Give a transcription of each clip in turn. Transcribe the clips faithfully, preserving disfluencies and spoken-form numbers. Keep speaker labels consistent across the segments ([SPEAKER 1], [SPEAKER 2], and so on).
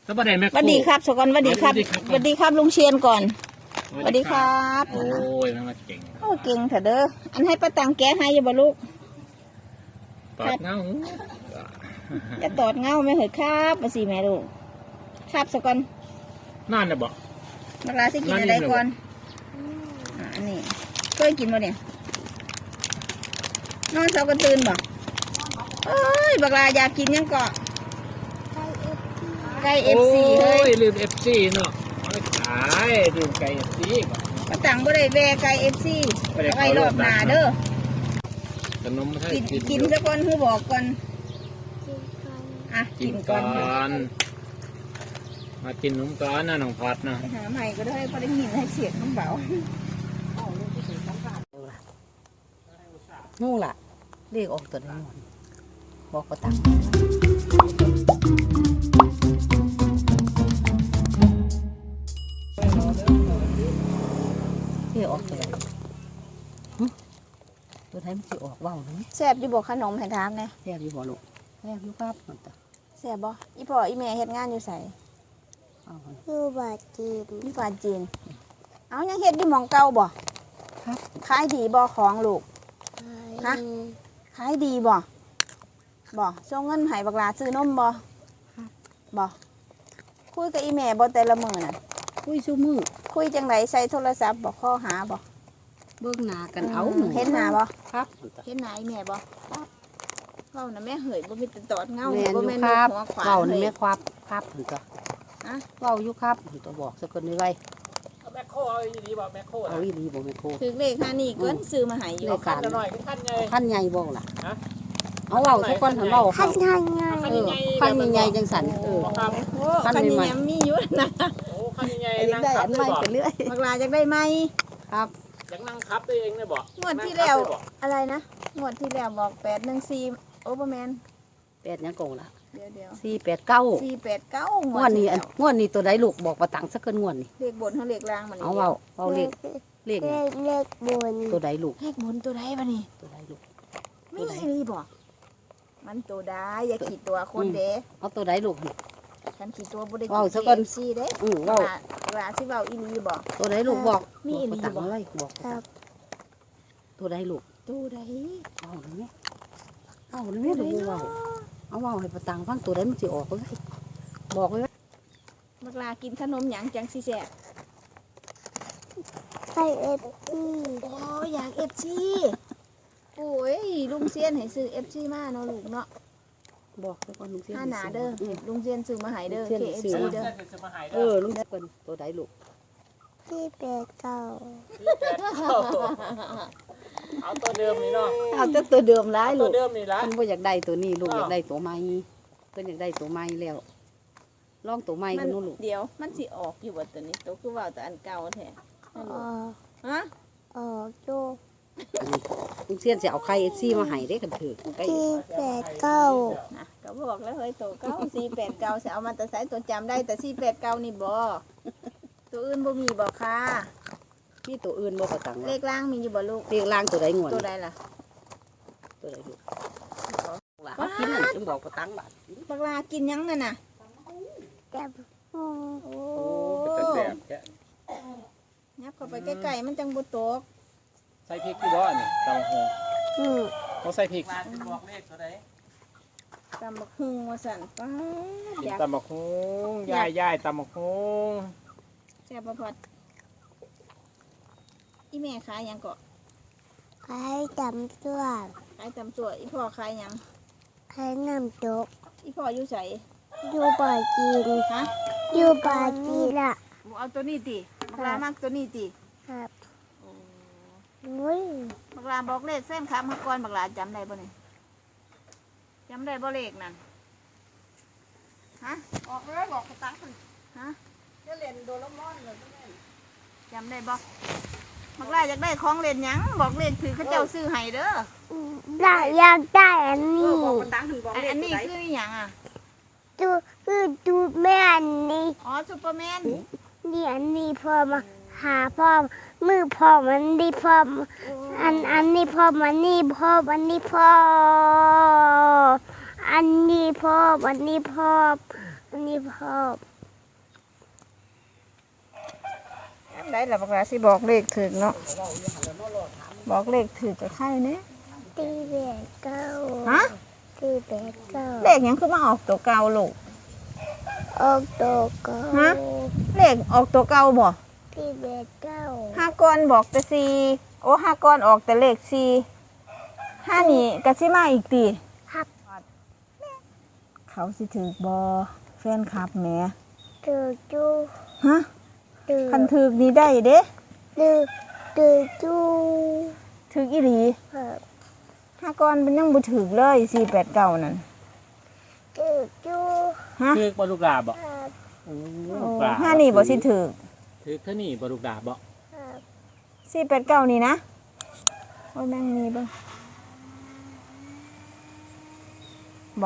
[SPEAKER 1] สวัสดีแม่ครู
[SPEAKER 2] สวัสดีครับสกอนสวัสดีครับสวัสดีครับลุงเชียนก่อนสวัสดีครับ
[SPEAKER 1] โอ้ยมันมาเก่ง
[SPEAKER 2] โอ้เก่งเถอะเด้ออันให้ป้าตังแกะให้อยังบ่ลูก
[SPEAKER 1] ตอดเงา
[SPEAKER 2] จะตอดเงาไม่เหรอครับมาสิแม่ลูกครับสกอน
[SPEAKER 1] นั่นน่ะบอก
[SPEAKER 2] บักลาสิกินอะไรก่อนอ่าอันนี้เคยกินบ่เนี่ยนอนเช้ากันตื่นบ่เอ้ยบักลาอยากกินยังเกาะไก่เอฟซีเฮ้ย
[SPEAKER 1] ลืมเอฟซีเนาะไม่ขายลืมไก่เอฟซีก่อน
[SPEAKER 2] ป้าตังบ่ได้แวะไก่เอฟซี
[SPEAKER 1] บ่ได้
[SPEAKER 2] ไว้
[SPEAKER 1] เข้าร ร
[SPEAKER 2] อ
[SPEAKER 1] อ
[SPEAKER 2] บบ ห
[SPEAKER 1] ห
[SPEAKER 2] น้า
[SPEAKER 1] น้า
[SPEAKER 2] เด้อ
[SPEAKER 1] ขนมให้
[SPEAKER 2] กิน
[SPEAKER 1] กิน
[SPEAKER 2] กิน
[SPEAKER 1] อยู่
[SPEAKER 2] ซะก่อนคือบอกก่อนอ่ะ
[SPEAKER 1] กิ
[SPEAKER 2] กิ
[SPEAKER 1] น
[SPEAKER 2] น
[SPEAKER 1] ก่
[SPEAKER 2] ก่
[SPEAKER 1] อ
[SPEAKER 2] อน
[SPEAKER 1] น มากินนมก่อนนะน้องพัดนะ
[SPEAKER 2] ไปหาใหม่ก็ได้พอได้ยินให้เสียงน้ำเบา
[SPEAKER 3] งูล่ะเรียกออกตัวนี้หมดบอกประตังเรียกออกตัวไหนหึตัวไหนมันจะออกว่าวหรือ
[SPEAKER 2] แซ่บอยู่บอกขนมให้ทามไง
[SPEAKER 3] แทบอยู่บ่ลูกแทบอยู่ครับมันตะ
[SPEAKER 2] แซ่บบ่อีพ่ออีแม่เฮ็ดงานอยู่ไส
[SPEAKER 3] เอามัน
[SPEAKER 2] อยู่บาจีนอยู่บาจีนเอายังเฮ็ดอยู่หม่องเก่าบ่
[SPEAKER 3] ครับ
[SPEAKER 2] ขายดีบ่ของลูกฮะขายดีบ่บ่ส่งเงินให้บักหลาซื้อนมบ่บ่คุยกับอีแม่บ่แต่ละมื้อน่ะ
[SPEAKER 3] คุยชูมือ
[SPEAKER 2] คุยจังไดใส่โทรศัพท์บ่ข้อหาบ่
[SPEAKER 3] เบิ่งหน้ากันเอา
[SPEAKER 2] มเห็นหน้าบ่
[SPEAKER 3] ครับมันตะ
[SPEAKER 2] เห็นหน้าอีแม่บ่เว้าน่ะแม่เหยบ่มีแต่ตอดเงา
[SPEAKER 3] แม่น
[SPEAKER 2] บ่
[SPEAKER 3] อยู่
[SPEAKER 2] แม่น
[SPEAKER 3] ครับ
[SPEAKER 2] หัวขวาน
[SPEAKER 3] เว้านี่
[SPEAKER 2] เฮ้
[SPEAKER 3] แม่
[SPEAKER 2] ย
[SPEAKER 3] ครับครับมันตะ
[SPEAKER 2] ฮะ
[SPEAKER 3] เว้าอยู่ครับมันตะบอกสักคนนี้ไว้
[SPEAKER 1] แม่โคเอาอีดีบอกแม่โค
[SPEAKER 3] เอาอีหลีบ่แม่โค
[SPEAKER 2] ถึกเลขห้านี่เกินซื้อมาให้อยู่
[SPEAKER 3] เลข
[SPEAKER 1] ขั้นหน่อยขั้นไง
[SPEAKER 3] ขั้นใหญ่บ่ล่ะ
[SPEAKER 1] ฮะ
[SPEAKER 3] เอาเว้าสักคนหันเว้าเขา
[SPEAKER 2] ใหญ่ไง
[SPEAKER 3] เออขั้นใหญ่ๆจังสันเออ
[SPEAKER 1] ครับ
[SPEAKER 2] โอ้
[SPEAKER 3] ขั้น
[SPEAKER 2] คันนี้
[SPEAKER 3] ใหม่ๆ
[SPEAKER 2] ยังมีอยู่นะ
[SPEAKER 1] โอ้ขั้นยังไง
[SPEAKER 3] ไอ้
[SPEAKER 1] นั่ง
[SPEAKER 3] ได้
[SPEAKER 1] คั
[SPEAKER 3] อั
[SPEAKER 1] บ
[SPEAKER 3] น
[SPEAKER 1] ได้
[SPEAKER 3] ใหม่
[SPEAKER 1] บอก
[SPEAKER 3] ไปเรื่อย
[SPEAKER 2] บักลาจะได้ไหม
[SPEAKER 3] ครับ
[SPEAKER 1] ยังนั่งคับได้เองได้บอก
[SPEAKER 2] งวดที่แล้วอะไรนะงวดที่แล้วบอกแปดหนึ่งสี่โอเปอร์แมน
[SPEAKER 3] แปดยังโกงละ
[SPEAKER 2] เดี๋ยวเดี๋ยว
[SPEAKER 3] สี่แปดเก้า
[SPEAKER 2] สี่แปดเก้าง
[SPEAKER 3] วดนี้อันงวดนี้ตัวใดลูกบอกประตังสักเกินงวดนี่
[SPEAKER 2] เลขบนเขาเลขล่างมัน
[SPEAKER 3] เอาเว้าเว้าเลขเลข
[SPEAKER 2] เล
[SPEAKER 3] นี่
[SPEAKER 2] ขเลขบน
[SPEAKER 3] ตัวใดลูก
[SPEAKER 2] เลขบนตัวใดวะนี่
[SPEAKER 3] ตัวใดลูก
[SPEAKER 2] ไม่รีบอกมันตัวใดอย่าขีดตัวคนเด้
[SPEAKER 3] เอาตัวใดลูกนี่
[SPEAKER 2] ฉันขีดตัวบุได้
[SPEAKER 3] เว้าซะก่อน
[SPEAKER 2] ซีเด้
[SPEAKER 3] อือเว้า
[SPEAKER 2] เวลาที่เว้าอีลีบอก
[SPEAKER 3] ตัวใดลูกบอก
[SPEAKER 2] มี
[SPEAKER 3] บอก
[SPEAKER 2] อีห
[SPEAKER 3] ป
[SPEAKER 2] ลี
[SPEAKER 3] ระตัง
[SPEAKER 2] บอก
[SPEAKER 3] อะไรบอกประตังตัวใดลูก
[SPEAKER 2] ตัวใด
[SPEAKER 3] เอาหรือไงเอาหรือไงลูกเว้าเอาเว้าให้ประตังฟังตัวใดมันสิออกเลยบอกเลยว่า
[SPEAKER 2] บักลากินขนมหยังจังสิแซ่บ
[SPEAKER 4] ไปเอฟซี
[SPEAKER 2] โอ้ยอยากเอฟซีโอ้ยลุงเซียนให้ซื้อเอฟซีมาเนาะลูกเนาะ
[SPEAKER 3] บอกซะก่อนลุงเสียน
[SPEAKER 2] ห้าหนาเด้อ
[SPEAKER 3] อืม
[SPEAKER 2] ลุงเซียนซื้อมาให้เด้อ
[SPEAKER 3] ลุงเซี
[SPEAKER 2] เค
[SPEAKER 3] ยน
[SPEAKER 2] เอฟ
[SPEAKER 3] ซื้อ
[SPEAKER 2] ซี
[SPEAKER 3] มา
[SPEAKER 2] เด้อ
[SPEAKER 1] จะมาหาย
[SPEAKER 3] เออลุงเสียนตัวใดลูก
[SPEAKER 4] ที่แปดเก้า
[SPEAKER 1] เอาตัวเดิมนี่เนาะ
[SPEAKER 3] เอาแต่ตัวเดิมร้าย
[SPEAKER 1] ตั
[SPEAKER 3] ลู
[SPEAKER 1] ว
[SPEAKER 3] ก
[SPEAKER 1] เดิมนี่ละ
[SPEAKER 3] เพิ่นบ่อยากได้ตัวนี้ลูก
[SPEAKER 1] อ้าว
[SPEAKER 3] อยากได้ตัวใหม่เพิ่นอยากได้ตัวใหม่แล้วลองตัวใหม่
[SPEAKER 2] มั
[SPEAKER 3] กัน นนู้นลูก
[SPEAKER 2] เดี๋ยวมันสิออกอยู่บ่ตัวนี้ตัวคือว่าแต่อันเก่าแท้
[SPEAKER 4] ออก
[SPEAKER 2] ฮะ
[SPEAKER 4] ออกโจ
[SPEAKER 3] ลุงเสียนสิเอาไข่เอฟซีมาให้เด้กันเถือะไก่
[SPEAKER 4] ที่แปดเก้า
[SPEAKER 2] นะก็บอกแล้วเฮ้ยตัวเก่าสี่แปดเก้าสิเอามาแต่ใส่ตัวจำได้แต่สี่แปดเก้านี่บ่ตัวอื่นบ่มีบ่ค่ะ
[SPEAKER 3] มีตัวอื่นบ่ประตัง
[SPEAKER 2] เล
[SPEAKER 3] ว่า
[SPEAKER 2] ขล่างมีอยู่บ่ลูก
[SPEAKER 3] เรียกล่างตัวใดงวน
[SPEAKER 2] ตัวใดล่ะ
[SPEAKER 3] ตัวใดลูกล่ะเขากินนั่นจึงบอกประตังบาด
[SPEAKER 2] บักลากินหยังนั่นน่ะ
[SPEAKER 4] จับหู
[SPEAKER 2] โอ้
[SPEAKER 1] โอ้เป็นแสบแก
[SPEAKER 2] ยับเข้าไปใกล้ๆมันจังบ่ตก
[SPEAKER 1] ใส่พริกกี่บ่อนี่ตำบักหุ่ง
[SPEAKER 4] อืม
[SPEAKER 1] เขาใส่พริกบอกเลขตัวใด
[SPEAKER 2] ตำบักหุ่งว่าสั่นป้าด
[SPEAKER 1] กิน
[SPEAKER 2] อยาก
[SPEAKER 1] ตำบักหุ่งย่ายย่ายตำบักหุ่ง
[SPEAKER 2] แซ่บบ่พอดอีแม่ขายหยังเกาะ
[SPEAKER 4] ใครจำตัว
[SPEAKER 2] ขายตำตัวอีพ่อขายหยัง
[SPEAKER 4] ใครนำจก
[SPEAKER 2] อีพ่ออยู่ไส
[SPEAKER 4] อยู่บ่อจีน
[SPEAKER 2] ฮะ
[SPEAKER 4] อยู่บ่อจีนละ
[SPEAKER 2] เอาตัวนี้ติบักลามากตัวนี้ติ
[SPEAKER 4] ครับอุ้ย
[SPEAKER 2] บักลาบอกเลขเส้นครับเมื่อก่อนบักลาจำได้บ่เนี่ยจำได้บ่เลขนั่นฮะ
[SPEAKER 3] ออกเลยบอกประตัง
[SPEAKER 2] ฮะ
[SPEAKER 3] จะเล่นโดเรมอนเลย
[SPEAKER 2] จำได้บ่บักลาอยากได้ของเล่นหยังบอกเลขถือเขาเจ้าซื้อให้เด้อ
[SPEAKER 4] ได้อยากได้อัน
[SPEAKER 3] เอ
[SPEAKER 4] นี้
[SPEAKER 3] อบอกประตังถึงบอก
[SPEAKER 2] อัน
[SPEAKER 3] เลข
[SPEAKER 2] อัน
[SPEAKER 3] ตัว
[SPEAKER 2] นี้
[SPEAKER 3] ใด
[SPEAKER 2] คืออหยังอ่ะ
[SPEAKER 4] ดูคือดูแม่อันนี้
[SPEAKER 2] อ๋อซูเปอร์แมน
[SPEAKER 4] นี่อันนี้พอมาหาพ่อมือพ่อมันดีพ่อมอันอันนี้พ่อมันนี่พ่อมันนี่พ่ออันนี้พ่ออันนี้พ่ออันนี้พ่อ
[SPEAKER 2] ย่ำได้ล่ะบักลาสิบอกเลขถึกเนาะบอกเลขถึกกับใครเนี่ย
[SPEAKER 4] ตีแปดเก้า
[SPEAKER 2] ฮะ
[SPEAKER 4] ตีแปดเก้า
[SPEAKER 2] เลขหยังคือมาออกตัวเก่าลูก
[SPEAKER 4] ออกตัวเก้า
[SPEAKER 2] ฮะ เลขออกตัวเก่าบ่
[SPEAKER 4] ตีแปดเก้า
[SPEAKER 2] ห้าก้อนบอกแต่สี่โอ้ห้าก้อนออกแต่เลขสี่ห้านี่กะสิมาอีกตี
[SPEAKER 4] ครับ
[SPEAKER 2] เขาสิถือบอแฟนคลับแหม
[SPEAKER 4] ตือจู
[SPEAKER 2] ฮะ
[SPEAKER 4] ตือ
[SPEAKER 2] คันถือนี่ได้เด้
[SPEAKER 4] ตือตือจู
[SPEAKER 2] ถืออีหลี
[SPEAKER 4] ครับ
[SPEAKER 2] ห้าก้อนมันยังบ่ถือเลยสี่แปดเก้านั่น
[SPEAKER 4] ตือจู
[SPEAKER 2] ฮะ
[SPEAKER 1] ถือกบลูกดาบบ่
[SPEAKER 4] ครับ
[SPEAKER 1] โอ้
[SPEAKER 2] โอ้
[SPEAKER 1] ลูกดาบ
[SPEAKER 2] ห้านี่บ่สิถือ
[SPEAKER 1] ถือกเท่านี้บลูกดาบบ่
[SPEAKER 4] ครับ
[SPEAKER 2] สี่แปดเก้านี่นะโอ้ยแม่งมีเบ่งบ่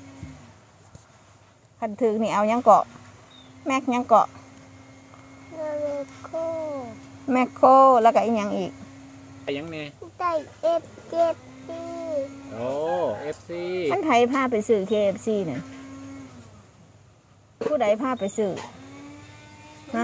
[SPEAKER 2] คันถือนี่เอายังเกาะ แม็กยังเกาะ
[SPEAKER 4] นาเรโค
[SPEAKER 2] แมคโครแล้วก็อีกอย่างอีก
[SPEAKER 1] ไปยังแน่
[SPEAKER 4] ได้เอฟเจ็ดปี
[SPEAKER 1] โอ้เอฟซี
[SPEAKER 2] ท่านไทยพาไปซื้อ เค เอฟ ซี เนี่ยผู้ใดพาไปซื้อฮะ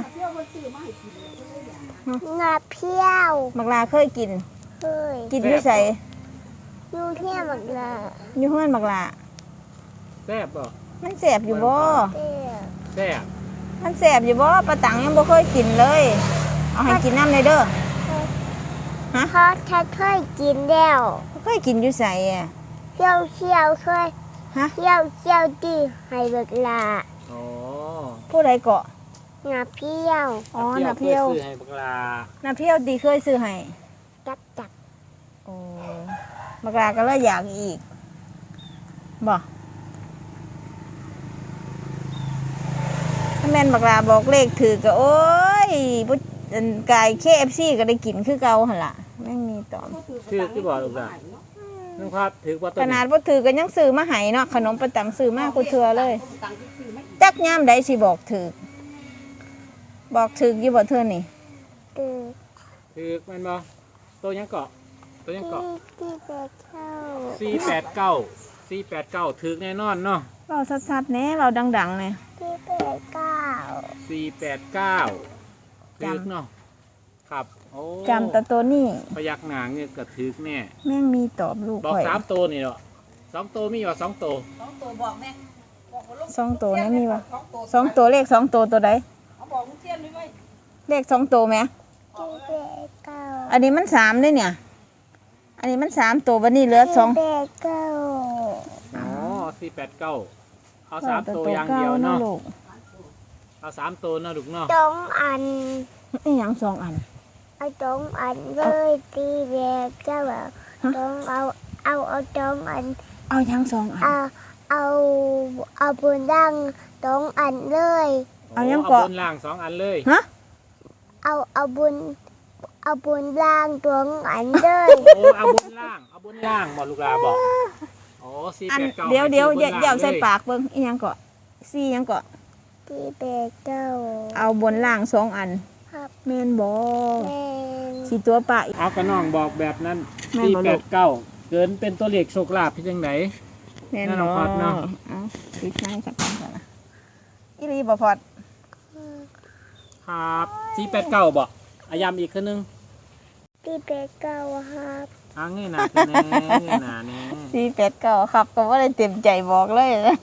[SPEAKER 4] งาเพี้ยว
[SPEAKER 2] บักลาเคยกิน
[SPEAKER 4] เฮ้ย
[SPEAKER 2] กินอยู่ใส่
[SPEAKER 4] ยูเทียมบักลา
[SPEAKER 2] อยู่เฮือนบักลา
[SPEAKER 1] แซ่บบ่
[SPEAKER 2] มันแสบอยู่บ่
[SPEAKER 4] เตี้ย
[SPEAKER 1] แซ่บ
[SPEAKER 2] มันแสบอยู่บ่ปลาตังยังบ่เคยกินเลย เอาให้กินน้ำเลยเด้อ ฮะ
[SPEAKER 4] เพราะฉันเคยกินแล้ว
[SPEAKER 2] เคยกินอยู่ใส่อะ
[SPEAKER 4] เที่ยวเที่ยวเคย
[SPEAKER 2] ฮะ
[SPEAKER 4] เที่ยวเที่ยวดีให้บักลา
[SPEAKER 1] อ๋อ
[SPEAKER 2] ผู้ใดเกาะ
[SPEAKER 4] งาเพี้ยว
[SPEAKER 2] อ๋อนาเพียว
[SPEAKER 1] ซื้อให้บักลา
[SPEAKER 2] นาเพียวดีเคยซื้อให้
[SPEAKER 4] จักจัก
[SPEAKER 2] โอ้บักลาก็เลยอยากอีกบ่ถ้าแม่นบักลาบอกเลขถือก็โอ้ยบุอันกาย เค เอฟ ซี ก็ได้กินคือเก่าหั่นล่ะแม่งมีตอม
[SPEAKER 1] ถือกที่บ่ลูกดาบนึกครับถือกว่าตัว
[SPEAKER 2] ขนา
[SPEAKER 1] นี้
[SPEAKER 2] ดบ่ถือก็ยังซื้อมาให้เนาะขนมประตังซื้อมากูเทื่อเลย จักยามใดสิบอกถือบอกถืออยู่บ่เทื่อนี่
[SPEAKER 4] ตือ
[SPEAKER 1] ถือกแมันบ่ตัวยังเกาะตัวยัง
[SPEAKER 4] ที่
[SPEAKER 1] เกาะ
[SPEAKER 4] ที่แปดเข้า
[SPEAKER 1] สี่แปดเก้าสี่แปดเก้าถือกแน่นอนเนาะ
[SPEAKER 2] เว้าชัดๆแหน่เว้าดังๆแหน่
[SPEAKER 4] ที่แปดเก้า
[SPEAKER 1] สี่แปดเก้า
[SPEAKER 2] จำ
[SPEAKER 1] ถือกเนาะครับโอ้
[SPEAKER 2] จำแต่ตัวนี้
[SPEAKER 1] พยักหน้าเงี้ยก็ถือกแน่
[SPEAKER 2] แม่งมีตอบลูก
[SPEAKER 1] บอก
[SPEAKER 2] ข่อย
[SPEAKER 1] สามตัวนี่เนาะสองตัวมีว่าสองตัว
[SPEAKER 2] สองตัวนะมีบ่สองตัวเลขสองตัวตัวใดเลขสองตัวแหม
[SPEAKER 4] ที่แปดเก้า
[SPEAKER 2] อันนี้มันสามเด้เนี่ย อันนี้มันสามตัวบัดนี้เหลือสอง
[SPEAKER 4] ที่แปดเก้า
[SPEAKER 1] อ๋อสี่แปดเก้าเอาสาม
[SPEAKER 2] แต่
[SPEAKER 1] ตัวอย่าง
[SPEAKER 2] เก่า
[SPEAKER 1] เดียว
[SPEAKER 2] เนาะ
[SPEAKER 1] เนาะ
[SPEAKER 2] ลูก
[SPEAKER 1] เอาสามตัวเนาะลูกเนาะ
[SPEAKER 4] สองอัน
[SPEAKER 2] อีหยังสองอัน
[SPEAKER 4] เอาสองอันเลยที่แปดเก้าอะ
[SPEAKER 2] ฮะ
[SPEAKER 4] ต้องเอาเอาเอาสองอัน
[SPEAKER 2] เอาหยังสองอัน
[SPEAKER 4] เอาเอาเอาบนดังสองอันเลย
[SPEAKER 2] เอายัง
[SPEAKER 1] เอา
[SPEAKER 2] เกาะ
[SPEAKER 1] บนล่างสองอันเลย
[SPEAKER 2] ฮะ
[SPEAKER 4] เอาเอาบนเอาบนล่างสองอันเลย
[SPEAKER 1] โอ้เอาบนล่างเอาบนล่างบอกลูกลาบอกโอ้สี่
[SPEAKER 2] อัน
[SPEAKER 1] แปดเก้า
[SPEAKER 2] เดี๋ยวเดี๋ยวอย่าอย่าเอาใส่
[SPEAKER 1] ก
[SPEAKER 2] ปากเบิ่งอีหยังเกาะสี่หยังเกาะ
[SPEAKER 4] ที่แปดเก้า
[SPEAKER 2] เอาบนล่างสองอัน
[SPEAKER 4] ครับ
[SPEAKER 2] แม่นบ่
[SPEAKER 4] แม่น
[SPEAKER 2] ขี่ตัวปะอีก
[SPEAKER 1] เอากระน้องบอกแบบนั้น
[SPEAKER 2] แม่น
[SPEAKER 1] สี่
[SPEAKER 2] บ่
[SPEAKER 1] แป
[SPEAKER 2] ลู
[SPEAKER 1] ด
[SPEAKER 2] ก
[SPEAKER 1] เก้าเกินเป็นตัวเลขโชคลาภที่จังไหน
[SPEAKER 2] แม่น
[SPEAKER 1] แน่น
[SPEAKER 2] บ่
[SPEAKER 1] อนครับเนาะ
[SPEAKER 2] เอาปิดไม้ครับก่อนนะอีหลีบ่พอด
[SPEAKER 1] ครับสี่แปดเก้าบอกอายำอีกคนนึง
[SPEAKER 4] ที่แปดเก้าครับ
[SPEAKER 1] อ่าเงยหน้าขึ้นแน่เงยหน้านี่
[SPEAKER 2] สี่แปดเก้าครับก็บ่ได้เต็มใจบอกเลยนะ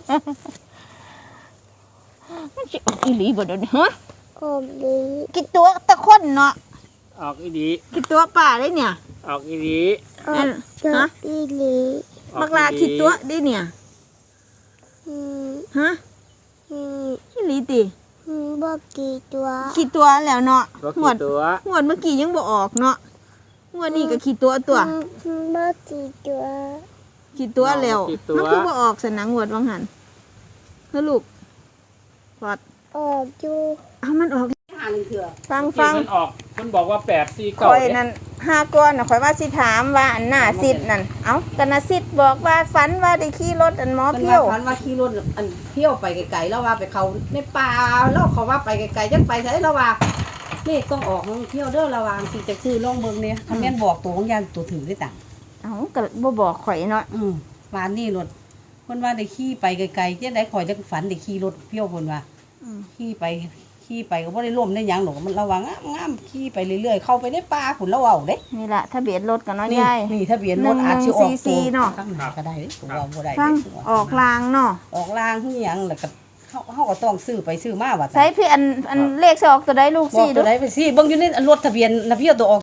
[SPEAKER 2] มันสิออกอีหลีบ่เดี๋ยวนี้ฮะ
[SPEAKER 4] อมดี
[SPEAKER 2] กี่ตัวตะคนเนาะ
[SPEAKER 1] ออกอีดี
[SPEAKER 2] กี่ตัวป่าได้เนี่ย
[SPEAKER 1] ออกอีดี
[SPEAKER 4] ออ
[SPEAKER 2] อั
[SPEAKER 4] ม
[SPEAKER 2] น
[SPEAKER 4] จอ
[SPEAKER 2] ฮะ
[SPEAKER 4] ดีหลี
[SPEAKER 1] ออ
[SPEAKER 2] บักลากี่ตัวได้เนี่ย
[SPEAKER 4] อืม
[SPEAKER 2] ฮะ
[SPEAKER 4] อืม
[SPEAKER 2] อีหลีติ
[SPEAKER 4] อืมบอกกี่ตัว
[SPEAKER 2] กี่ตัวแล้วเนาะ
[SPEAKER 1] บอก
[SPEAKER 2] งว
[SPEAKER 1] กี่
[SPEAKER 2] ด
[SPEAKER 1] ตัว
[SPEAKER 2] งวดเมื่อกี้ยังบ่ออกเนาะงวดนี้ก็กี่ตัวตัว
[SPEAKER 4] อืมอืมบอกกี่ตัว
[SPEAKER 2] กี่ตัวแล้ว
[SPEAKER 1] กี่ตั
[SPEAKER 2] มัน
[SPEAKER 1] ว
[SPEAKER 2] คือบ่ออกสนังงวดวังหันเฮ้อลูกพอด
[SPEAKER 4] ออกอยู่
[SPEAKER 2] เอามันออก
[SPEAKER 3] หาหนึ่งเถื่อ
[SPEAKER 2] ฟัง
[SPEAKER 1] ที่
[SPEAKER 2] ฟัง
[SPEAKER 1] มันออกมันบอกว่าแปดสี่
[SPEAKER 2] ข่
[SPEAKER 1] เก้า
[SPEAKER 2] อย
[SPEAKER 1] เนี่ย
[SPEAKER 2] นั่นห้าก้อนน่ะข่อยว่าสิถามว่าอันหน้าซิดนั่นเอ้ากันน่ะซิดบอกว่าฝันว่าได้ขี่รถอันหมอ
[SPEAKER 3] มัน
[SPEAKER 2] เพี้ยว
[SPEAKER 3] ว่าพันว่าขี่รถอันเที่ยวไปไกลๆแล้วว่าไปเขาในป่าแล้วเขาว่าไปไกลๆจังไปใช่แล้วว่านี่ต้องออกท่องเที่ยวเด้อระวังสิจะซื้อลองเบิ่งเนี่ยถ้าแม่นบอกตัวของยานตัวถือได้ต่าง
[SPEAKER 2] เอ้าก็บ่บอกข่อยเนาะ
[SPEAKER 3] อืมวานนี่รถเพิ่นว่าได้ขี่ไปไกลๆจังได๋ข่อยจังฝันได้ขี่รถเที่ยวเพิ่นว่า
[SPEAKER 2] อืม
[SPEAKER 3] ขี่ไปขขี่ไปก็บ่ได้ร่มได้หยังหรอกมันระวังงามๆขี่ไปเรื่อยๆเข้าไปในป่าพุ่นแล้วเอาเด้
[SPEAKER 2] นี่ล่ะทะเบียนรถกันเนาะ
[SPEAKER 3] นี่
[SPEAKER 2] ยาย
[SPEAKER 3] นี่ทะเบียนรถอาจสิออก
[SPEAKER 2] หนึ่งหนึ่งสี่สี่เนาะ
[SPEAKER 3] ข้างหน้าก็ได้เด้ตัวว่าบ่ได้
[SPEAKER 2] ฟัง
[SPEAKER 3] เด้ตัว
[SPEAKER 2] ออกลางเนาะ
[SPEAKER 3] ออกลางคือหยังแล้วก็เฮาเฮาก็ต้องซื้อไปซื้อมาว่า
[SPEAKER 2] ใช้พี่อันอันเลขสิออกตัวใดลูก
[SPEAKER 3] บอก
[SPEAKER 2] สี่
[SPEAKER 3] ตั
[SPEAKER 2] ดู
[SPEAKER 3] วใดไปสิเบิ่งอยู่ในรถทะเบียนนะพี่เอาตัวออก